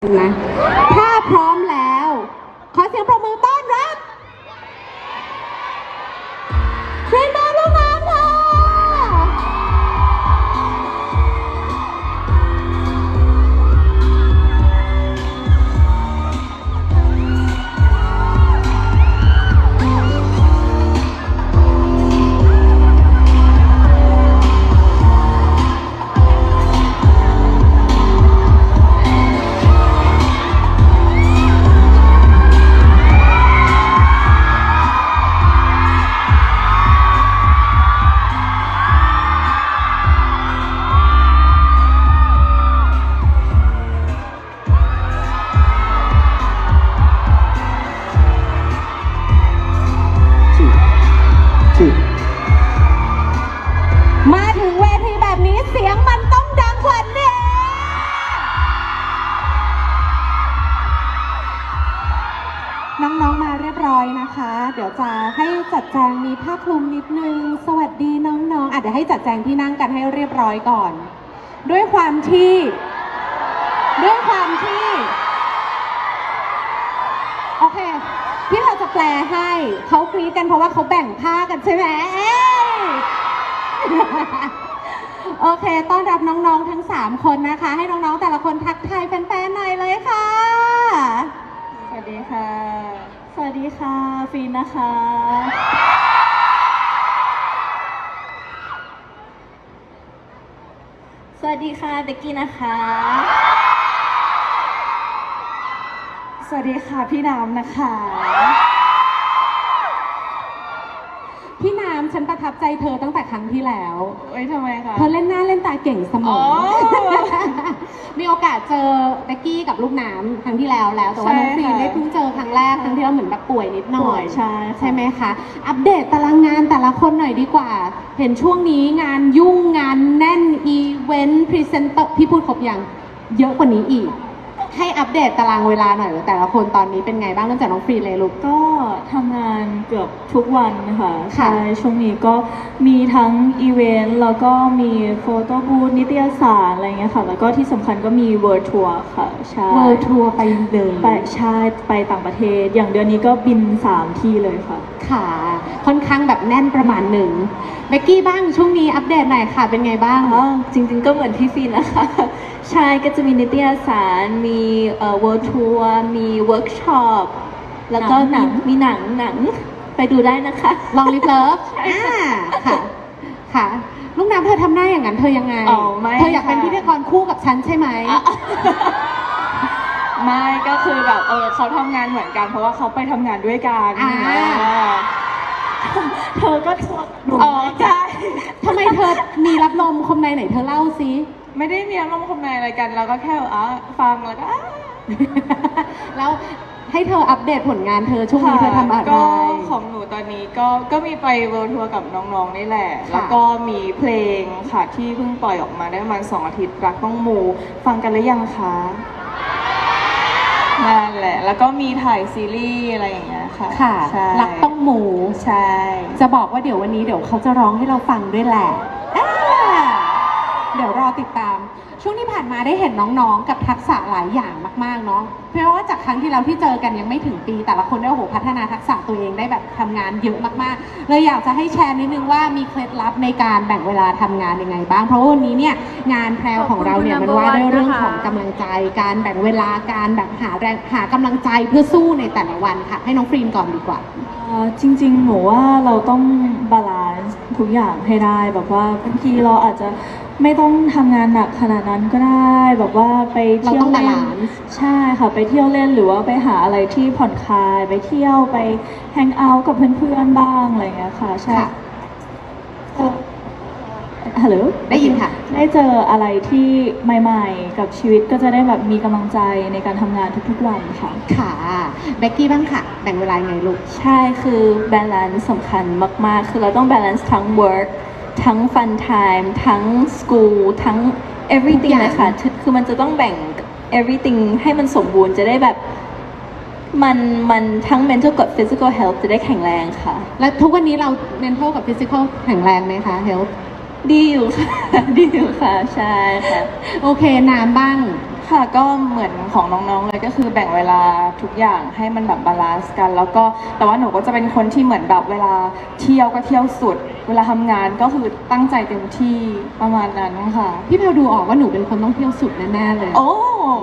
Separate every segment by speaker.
Speaker 1: นะถ้าพร้อมแล้วขอเสียงปรบมือต้อนรับเทรนเนอร์ลูกน้ำค่ะมาถึงเวทีแบบนี้เสียงมันต้องดังกว่านี้น้องๆมาเรียบร้อยนะคะเดี๋ยวจะให้จัดแจงมีผ้าคลุมนิดนึงสวัสดีน้องๆเดี๋ยวให้จัดแจงที่นั่งกันให้เรียบร้อยก่อนด้วยความที่โอเคพี่เราจะแปลให้เขากรี๊ดกันเพราะว่าเขาแบ่งผ้ากันใช่ไหมโอเคต้อนรับน้องๆทั้ง3คนนะคะให้น้องๆแต่ละคนทักทายแฟนๆหน่อยเลยค่ะ
Speaker 2: สวัสดีค่ะสวัสดีค่ะฟีนนะคะสวัสดีค่ะเบกกี้นะคะสวัสดีค่ะพี่น้ำนะคะ
Speaker 1: พี่น้ำฉันประทับใจเธอตั้งแต่ครั้งที่แล้ว
Speaker 2: ทำไมคะ
Speaker 1: เธอเล่นหน้าเล่นตาเก่งเสมอ มีโอกาสเจอเบกกี้กับลูกน้ำครั้งที่แล้วแต่ว่าน้องฟีนได้เพิ่งเจอครั้งแรกครั้งที่เราเหมือนแบบป่วยนิดหน่อยใช่ไหมคะอัปเดตตารางงานแต่ละคนหน่อยดีกว่าเห็นช่วงนี้งานยุ่งงานแน่นอีเวนต์พรีเซนเตอร์พี่พูดครบยังเยอะกว่านี้อีกให้อัปเดตตารางเวลาหน่อยว่าแต่ละคนตอนนี้เป็นไงบ้างเริ่มจากน้องฟรีเลยลูก
Speaker 2: ก็ทำงานเกือบทุกวันค่ะใช่ช่วงนี้ก็มีทั้งอีเวนต์แล้วก็มีโฟโต้บูธนิตยสารอะไรเงี้ยค่ะแล้วก็ที่สำคัญก็มีเวิร์ทัวร์ค่ะใช่
Speaker 1: เวิร์ทัวร์ไปเลย
Speaker 2: ใช่ไปต่างประเทศอย่างเดือนนี้ก็บิน3ที่เลยค่ะ
Speaker 1: ค่ะค่อนข้างแบบแน่นประมาณหนึ่งเบกกี้บ้างช่วงนี้อัปเดตหน่อยค่ะเป็นไงบ้าง
Speaker 2: จริงๆก็เหมือนพี่ฟีนนะคะใช่ก็จะมีนิตยสารมีเวิร์ทัวร์มีเวิร์กช็อปแล้วก็มีหนังไปดูได้นะคะ
Speaker 1: ลองลิฟเลิฟค่ะลูกน้ำเธอทำหน้าอย่างนั้นเธอยังไงเธออยากเป็นพิธีกรคู่กับฉันใช่ไหม
Speaker 2: ไม่ก็คือแบบเขาทำงานเหมือนกันเพราะว่าเขาไปทำงานด้วยกันเธอก็ใช่
Speaker 1: ทำไมเธอมีรับลมคมในไหนเธอเล่าซิ
Speaker 2: ไม่ได้มีอารมณ์คมในอะไรกันเราก็แค่ฟังแล้วก็
Speaker 1: แล้วให้เธออัปเดตผลงานเธอช่วงนี้เธอทำอะไร
Speaker 2: ก็ของหนูตอนนี้ก็มีไปเวิลด์ทัวร์กับน้องๆนี่แหละแล้วก็มีเพลงค่ะที่เพิ่งปล่อยออกมาได้ประมาณ2 อาทิตย์รักต้องมูฟังกันหรือยังคะนั่นแหละแล้วก็มีถ่ายซีรีส์อะไรอย่างเงี้ยค่ะ
Speaker 1: รักต้องมู
Speaker 2: ใช่
Speaker 1: จะบอกว่าเดี๋ยววันนี้เดี๋ยวเขาจะร้องให้เราฟังด้วยแหละเดี๋ยวรอติดตามช่วงที่ผ่านมาได้เห็นน้องๆกับทักษะหลายอย่างมากๆเนาะเพราะว่าจากครั้งที่เราที่เจอกันยังไม่ถึงปีแต่ละคนได้พัฒนาทักษะตัวเองได้แบบทำงานเยอะมากๆเลยอยากจะให้แชร์นิดนึงว่ามีเคล็ดลับในการแบ่งเวลาทำงานยังไงบ้างเพราะวันนี้เนี่ยงานแพรวของเราเนี่ยมันว่าด้วยเรื่องของกำลังใจการแบ่งเวลาการแบบหากำลังใจเพื่อสู้ในแต่ละวันค่ะให้น้องฟรีนก่อนดีกว่า
Speaker 2: จริงๆหนูว่าเราต้องบาลานซ์ทุกอย่างให้ได้แบบว่าบางทีเราอาจจะไม่ต้องทำงานหนักขนาดนั้นก็ได้แบบว่าไปเที่ยวเล่นใช่ค่ะไปเที่ยวเล่นหรือว่าไปหาอะไรที่ผ่อนคลายไปเที่ยวไปแฮงเอาท์กับเพื่อนๆบ้างอะไรเงี้ยค่ะใช่ฮัลโหล
Speaker 1: ได้ยินค่ะ
Speaker 2: ได้เจออะไรที่ใหม่ๆกับชีวิตก็จะได้แบบมีกำลังใจในการทำงานทุกๆวันค่ะ
Speaker 1: ค่ะเบกกี้บ้างค่ะแบ่งเวลาไงลูก
Speaker 2: ใช่คือแบลนซ์สำคัญมากๆคือเราต้องแบลนซ์ทั้ง work ทั้ง fun time ทั้ง school ทั้ง everything เลยค่ะคือมันจะต้องแบ่ง everything ให้มันสมบูรณ์จะได้แบบมันทั้ง mental กับ physical health จะได้แข็งแรงค่ะ
Speaker 1: แล้วทุกวันนี้เรา mental กับ physical แข็งแรงไหมคะ health
Speaker 2: ดีอยู่ค่ะดีอยู่ค่ะใช่ค่ะ
Speaker 1: โอเคน้ำบ้าง
Speaker 2: ค่ะก็เหมือนของน้องๆเลยก็คือแบ่งเวลาทุกอย่างให้มันแบบบาลานซ์กันแล้วก็แต่ว่าหนูก็จะเป็นคนที่เหมือนแบบเวลาเที่ยวก็เที่ยวสุด เวลาทำงานก็คือตั้งใจเต็มที่ประมาณนั้นค่ะ
Speaker 1: พี่แพลวดูออกว่าหนูเป็นคนต้องเที่ยวสุดแน่ๆเลย
Speaker 2: โอ้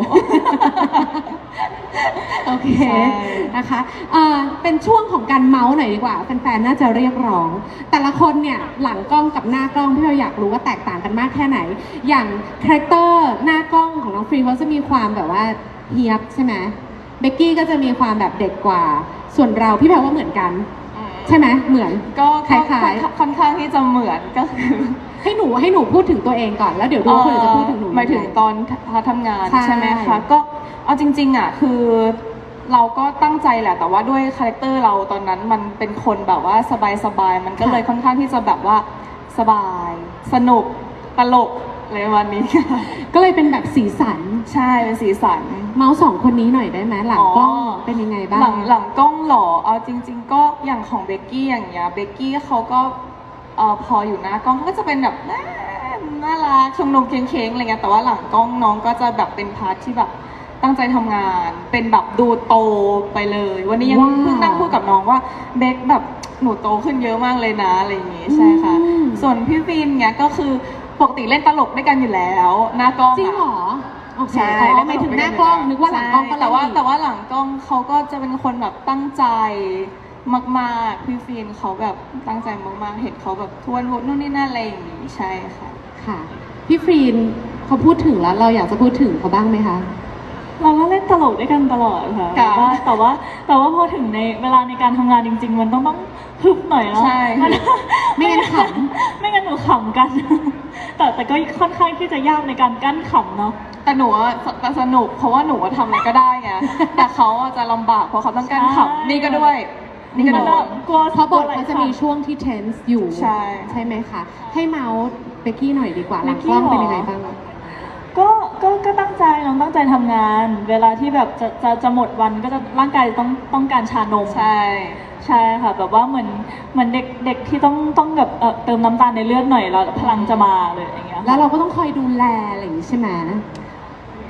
Speaker 1: โอเค
Speaker 2: ใช่
Speaker 1: นะคะเป็นช่วงของการเมาส์หน่อยดีกว่าแฟนๆน่าจะเรียกร้อง แต่ละคนเนี่ยหลังกล้องกับหน้ากล้องพี่เราอยากรู้ว่าแตกต่างกันมากแค่ไหน อย่างคาแรคเตอร์หน้ากล้องของน้องฟรีเขาจะมีความแบบว่าเฮียบใช่ไหมเบกกี้ก็จะมีความแบบเด็กกว่า ส่วนเราพี่แพลว่าเหมือนกัน ใช่ไหมเหมือน
Speaker 2: ก็
Speaker 1: คล้ายๆ
Speaker 2: ค่อนข้างที่จะเหมือนก็คือ
Speaker 1: ให้หนูพูดถึงตัวเองก่อนแล้วเดี๋ยวดูว่าคนอื่นจะพูดถึงหนู
Speaker 2: หมายถึง
Speaker 1: ยังไง
Speaker 2: ตอนทำงาน
Speaker 1: ใช่
Speaker 2: ใช่ไหมคะก็เอาจริงๆอ่ะคือเราก็ตั้งใจแหละแต่ว่าด้วยคาแรคเตอร์เราตอนนั้นมันเป็นคนแบบว่าสบายๆมันก็เลยค่อนข้างที่จะแบบว่าสบายสนุกตลกอะไรวันนี้
Speaker 1: ก็เลยเป็นแบบสีสัน
Speaker 2: ใช่เป็นสีสัน
Speaker 1: เมาส์สองคนนี้หน่อยได้ไหมหลังกล้องเป็นยังไงบ้าง
Speaker 2: หลังกล้องเหรอเอาจริง ๆ ก็อย่างของเบกกี้อย่างเงี้ยเบกกี้เขาก็พออยู่หน้ากล้องเขาก็จะเป็นแบบน่ารักชมนมเค้งๆอะไรเงี้ยแต่ว่าหลังกล้องน้องก็จะแบบเป็นพาร์ทที่แบบตั้งใจทำงาน เป็นแบบดูโตไปเลย วันนี้ยัง
Speaker 1: ว้าว
Speaker 2: เพิ่งนั่งพูดกับน้องว่าเบกแบบหนูโตขึ้นเยอะมากเลยนะอะไรอย่างงี้ใช่ค่ะ
Speaker 1: อืม
Speaker 2: ส่วนพี่ฟินเนี้ยก็คือปกติเล่นตลกด้วยกันอยู่แล้วหน้ากล้อง
Speaker 1: จริงเหร
Speaker 2: อะ
Speaker 1: อโอเค
Speaker 2: ใช่
Speaker 1: อ๋อหมายถึงหน้ากล้องนึกว่าหลังกล้องก็
Speaker 2: ใช่แต่ว่า
Speaker 1: เล่นอีก
Speaker 2: แต่ว่าหลังกล้องเขาก็จะเป็นคนแบบตั้งใจมากๆพี่ฟินเขาแบบตั้งใจมากๆเห็นเขาแบบทวนวุฒินู่นนี่นั่นอะไรอย่างงี้ใช่ค่ะ
Speaker 1: ค่ะพี่ฟรีนเขาพูดถึงแล้วเราอยากจะพูดถึงเขาบ้างไหมคะ
Speaker 2: เราก็เล่นตลกด้วยกันตลอดค่ะ
Speaker 3: ค่ะ
Speaker 2: แต่ว่าพอถึงในเวลาในการทำงานจริง ๆ มันต้องฮึบหน่อยเนาะ
Speaker 3: ใช่
Speaker 2: มัน
Speaker 1: ไม่งั้นข
Speaker 2: ไม่งั้นหนูขำกัน แต่ก็ค่อนข้างที่จะยากในการกั้นขำเนาะ
Speaker 3: แต่หนูอะสนุกเพราะว่าหนูอะทำอะไรก็ได้ไง แต่เขาอะจะลำบากเพราะเขาต้องการ
Speaker 2: ใช่
Speaker 3: ขำนี่ก็ด้วย นี่ก็
Speaker 2: มัน
Speaker 3: โดน
Speaker 2: กลัว
Speaker 1: เพราะบทเขาจะมีช่วงที่ tense อยู่
Speaker 3: ใช่
Speaker 1: ใช่ไหมคะ ให้เมาส์เบกกี้หน่อยดีกว่าหลังกล้องเป็นยังไงบ้าง
Speaker 2: ก็ตั้งใจน้องตั้งใจทำงาน เวลาที่แบบจะหมดวันก็จะร่างกายต้องการชานม
Speaker 3: ใช่
Speaker 2: ใช่ค่ะแบบว่าเหมือนเด็กที่ต้องแบบเติมน้ำตาลในเลือดหน่อยแล้วพลังจะมาเลยอย่างเงี้ยค่ะ
Speaker 1: แล้วเราก็ต้องคอยดูแลอะไรอย่างนี้ใช่ไหม
Speaker 2: ก็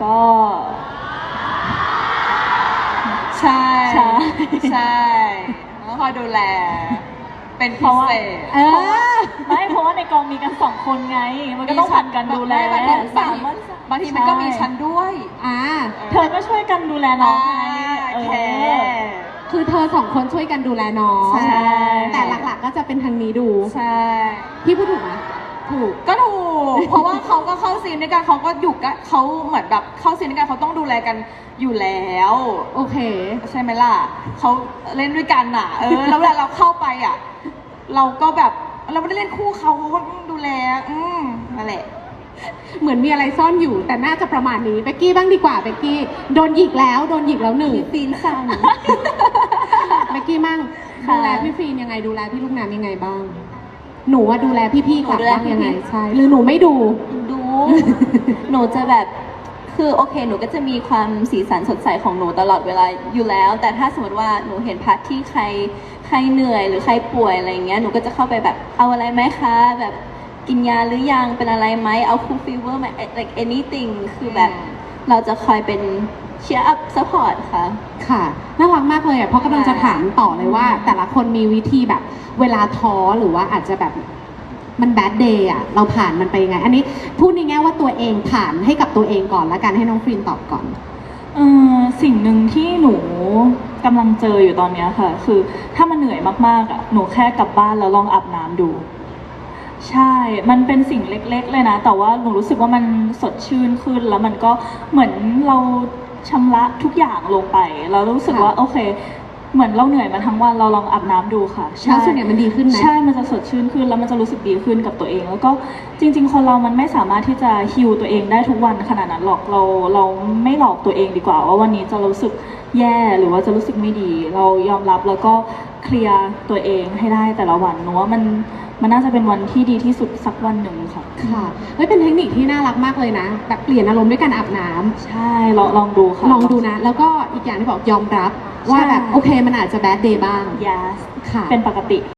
Speaker 3: ใช่
Speaker 2: ใช่
Speaker 3: ใช่ต้องคอยดูแล เป็น
Speaker 2: เพ
Speaker 3: พิ
Speaker 2: ราะว่า
Speaker 3: เศษ
Speaker 1: เออ
Speaker 2: เพราะว่าในกองมีกันสองคนไง มันก็ต้องผ่านกันดูแล
Speaker 3: บางทีมันก็มีชั้นด้วย
Speaker 1: อ่า
Speaker 2: เธอก็ช่วยกันดูแลน้องไง
Speaker 3: โอเค
Speaker 1: คือเธอสองคนช่วยกันดูแลน้อง
Speaker 3: ใช่
Speaker 1: แต่หลักๆก็จะเป็นทางนี้ดู
Speaker 3: ใช่
Speaker 1: พี่พูดถูกไหมถูก
Speaker 3: ก็ถูก เพราะว่าเขาก็เข้าซีนด้วยกันเขาก็อยู่กันเขาเหมือนแบบเข้าซีนด้วยกันเขาต้องดูแลกันอยู่แล้ว
Speaker 1: โอเค
Speaker 3: ใช่ไหมล่ะเขาเล่นด้วยกันอ่ะ แล้วเวลาเราเข้าไปอ่ะ เราก็แบบเราไม่ได้เล่นคู่เขาก็ต้องดูแล นั่นแหละ
Speaker 1: เหมือนมีอะไรซ่อนอยู่ แต่น่าจะประมาณนี้เบกกี้บ้างดีกว่าเบกกี้โดนหยิกแล้วหนึ่ง
Speaker 3: ฟีนสั่ง
Speaker 1: เบกกี้มั่ง
Speaker 2: ค่ะ
Speaker 1: ดูแลพี่ฟรีนยังไงดูแลพี่ลูกน้ำยังไงบ้าง หนูว่าดูแลพี่ๆกลับ
Speaker 4: หนูดูแล
Speaker 1: บ้างยังไง
Speaker 4: พี่ๆ
Speaker 1: ใช่หรือหนูไม่ดู
Speaker 4: ดู หนูจะแบบ คือโอเค หนูก็จะมีความสีสันสดใสของหนูตลอดเวลาอยู่แล้ว แต่ถ้าสมมติว่าหนูเห็นพาร์ทที่ใครเหนื่อยหรือใครป่วยอะไรอย่างเงี้ย หนูก็จะเข้าไปแบบ เอาอะไรไหมคะ แบบกินยาหรือยัง เป็นอะไรไหม เอาคูลฟีเวอร์ไหม like anything คือแบบ เราจะคอยเป็นเชียร์อัพซัพพอร์ตค่ะ
Speaker 1: ค่ะน่ารักมากเลยอ่ะเพราะกำลังจะถามต่อเลยว่า แต่ละคนมีวิธีแบบ เวลาท้อหรือว่าอาจจะแบบมันแบดเดย์อ่ะเราผ่านมันไปยังไง อันนี้พูดในแง่ว่าตัวเองผ่านให้กับตัวเองก่อนแล้วกันให้น้องฟรีนตอบก่อน
Speaker 2: สิ่งหนึ่งที่หนูกำลังเจออยู่ตอนเนี้ยค่ะ คือถ้ามันเหนื่อยมากๆอ่ะหนูแค่กลับบ้านแล้วลองอาบน้ำดู ใช่ มันเป็นสิ่งเล็กๆเลยนะ แต่ว่าหนูรู้สึกว่ามันสดชื่นขึ้น แล้วมันก็เหมือนเราชำระทุกอย่างลงไป เรารู้สึกว่า
Speaker 1: ค่ะ
Speaker 2: โอเค เหมือนเราเหนื่อยมาทั้งวัน เราลองอาบน้ำดูค่ะ
Speaker 1: แล้วส่วนใหญ่มันดีขึ้นไหม
Speaker 2: ใช่ มันจะสดชื่นขึ้น แล้วมันจะรู้สึกดีขึ้นกับตัวเอง แล้วก็จริง ๆ คนเรามันไม่สามารถที่จะฮิวตัวเองได้ทุกวันขนาดนั้นหรอก เราไม่หลอกตัวเองดีกว่า ว่าวันนี้จะรู้สึกแย่หรือว่าจะรู้สึกไม่ดี เรายอมรับแล้วก็เคลียร์ตัวเองให้ได้แต่ละวันหนูว่ามันน่าจะเป็นวันที่ดีที่สุดสักวันหนึ่งค่ะ
Speaker 1: ค่ะเฮ้ยเป็นเทคนิคที่น่ารักมากเลยนะ แบบเปลี่ยนอารมณ์ด้วยการอาบน้ำ
Speaker 2: ใช่ลองดูค่ะ
Speaker 1: ลองดูนะ แล้วก็อีกอย่างที่บอกยอมรับว่าแบบโอเคมันอาจจะแบดเดย์บ้าง
Speaker 2: yes
Speaker 1: ค่ะ
Speaker 2: เป็นปกติ